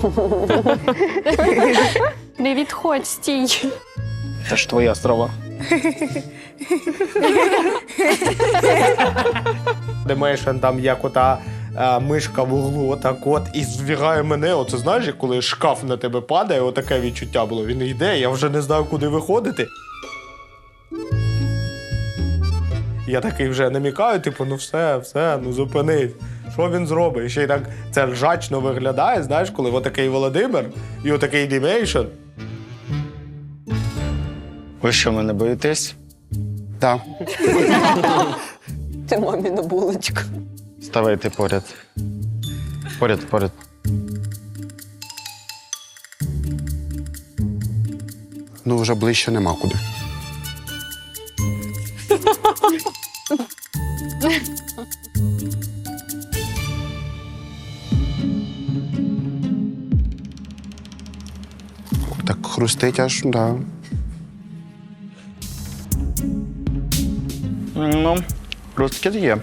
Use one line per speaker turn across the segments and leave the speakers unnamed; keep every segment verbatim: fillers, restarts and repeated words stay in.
Не відходь, стій.
Це ж твоя страва. Демейшн там як ота а, мишка в углу, отак от, і збігає мене. Оце знаєш, як коли шкаф на тебе падає, отаке відчуття було. Він йде, я вже не знаю, куди виходити. Я такий вже намікаю, типу, ну все, все, ну зупинись. Що він зробить? І ще й так це ржачно виглядає, знаєш, коли отакий Володимир і отакий Демейшн.
Ви що, мене боїтесь?
Так.
Ти маміна булочка.
Ставайте поряд. Поряд, поряд.
Ну, вже ближче нема куди. Так хрустить аж, да.
Ну, хрусткіт є.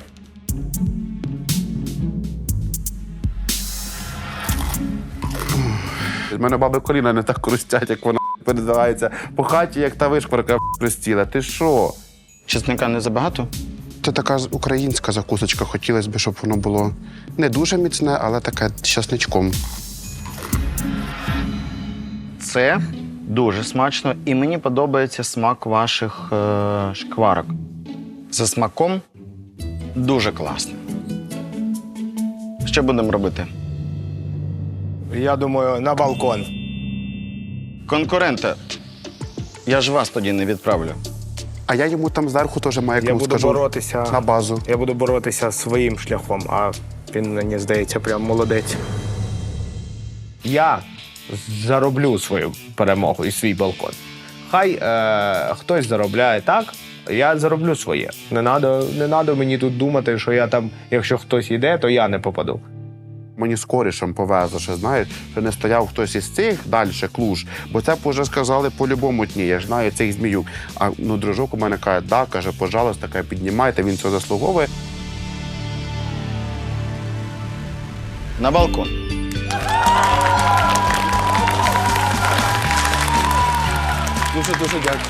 В мене баби коліна не так хрустять, як вона передавається по хаті, як та вишкварка хрустіла. Ти що?
Чесника не забагато?
Це така українська закусочка. Хотілося б, щоб воно було не дуже міцне, але таке з часничком.
Це дуже смачно, і мені подобається смак ваших е, шкварок. За смаком дуже класно. Що будемо робити?
Я думаю, на балкон.
Конкуренти, я ж вас тоді не відправлю.
А я йому там зверху теж маю,
Я
як
буду
скажу,
боротися.
на базу.
Я буду боротися своїм шляхом, а він, мені здається, прям молодець. Я зароблю свою перемогу і свій балкон. Хай е, хтось заробляє так, я зароблю своє. Не треба не надо мені тут думати, що я там, якщо хтось йде, то я не попаду.
Мені з корішем повезло, що, знаєш, що не стояв хтось із цих далі, клуж, бо це б вже сказали по-любому дні, я ж знаю цих зміюк. А ну, дружок у мене каже, да, каже, пожалуйста, каже, піднімайте, він це заслуговує.
На балкон.
Дуже-дуже дякую.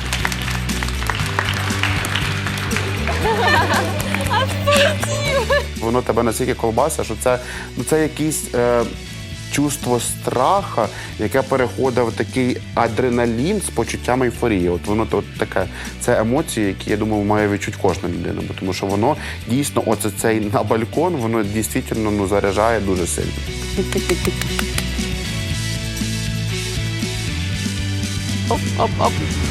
Воно тебе настільки колбаса, що це, ну, це якесь е, чувство страха, яке переходить в такий адреналін з почуттям ейфорії. От воно от таке, це емоції, які, я думаю, має відчути кожна людина. Бо тому що воно дійсно, оце цей на балкон, воно дійсно ну, заряджає дуже сильно.
Оп-оп-оп.